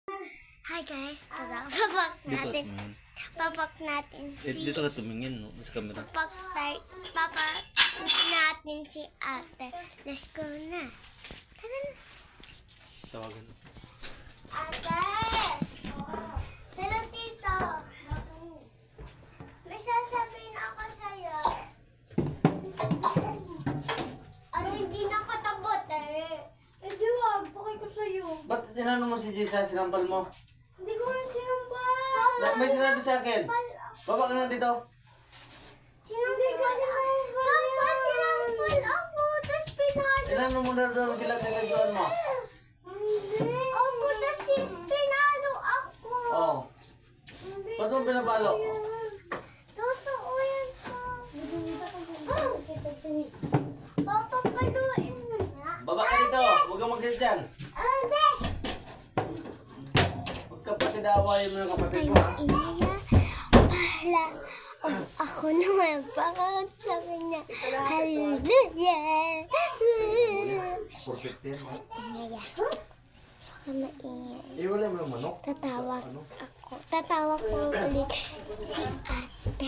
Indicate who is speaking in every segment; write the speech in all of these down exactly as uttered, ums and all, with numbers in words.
Speaker 1: Hi guys, tada. Papak
Speaker 2: Dito ka
Speaker 1: natin.
Speaker 2: tumingin.
Speaker 1: Papak natin
Speaker 2: Eh,
Speaker 1: si...
Speaker 2: dito ka tumingin, no? Sa camera.
Speaker 1: Papak tayo. Papak natin si ate. Let's go na. Tara na.
Speaker 2: Tawagan.
Speaker 1: Ate! Hello, tito. May sasabihin ako sa'yo. At hindi nakatabot eh.
Speaker 3: Hindi wag, pakay ko sa'yo.
Speaker 4: Ba't tinanong mo si Jessa, sinampal mo?
Speaker 3: Hindi ko nga sinambal.
Speaker 4: Na- May sinabi sa akin. Baba ka nga dito.
Speaker 1: Sinampal ko sinampal. Papa, sinampal ako. Tapos pinalo.
Speaker 4: Tinanong mo na doon sila sa nagdoon mo.
Speaker 1: Opo, tapos pinalo ako.
Speaker 4: Oo. Oh. Ba't mo pinapalo?
Speaker 1: Totoo yan po. Papa, paluin mo na.
Speaker 4: Baba ka dito. Huwag kang mag-get dyan.
Speaker 1: Ate!
Speaker 4: Huwag kapatid awayin mo ng kapatid
Speaker 1: Ay,
Speaker 4: mo, ha?
Speaker 1: inaya. Pahala. Oh, ako naman. Bakit sa kanya? Hallelujah.
Speaker 4: Perfect yan, ha?
Speaker 1: Inaya. Huwag ka maingay.
Speaker 4: Iwalay mo yung manok.
Speaker 1: Tatawag ako. Tatawag ko ulit si ate.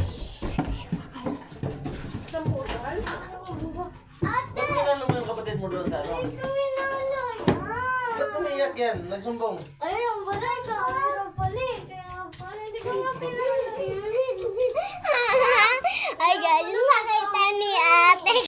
Speaker 1: Ate!
Speaker 4: Ba't tinanong mo yung kapatid mo doon sa ano?
Speaker 1: Kuminalo yan.
Speaker 4: Ba't umiyak yan? Nagsumbong.
Speaker 3: Ayun, wala ka. Sinampal eh. Kaya pala hindi ko nga pinalo.
Speaker 1: Ay guys, nakita ni ate.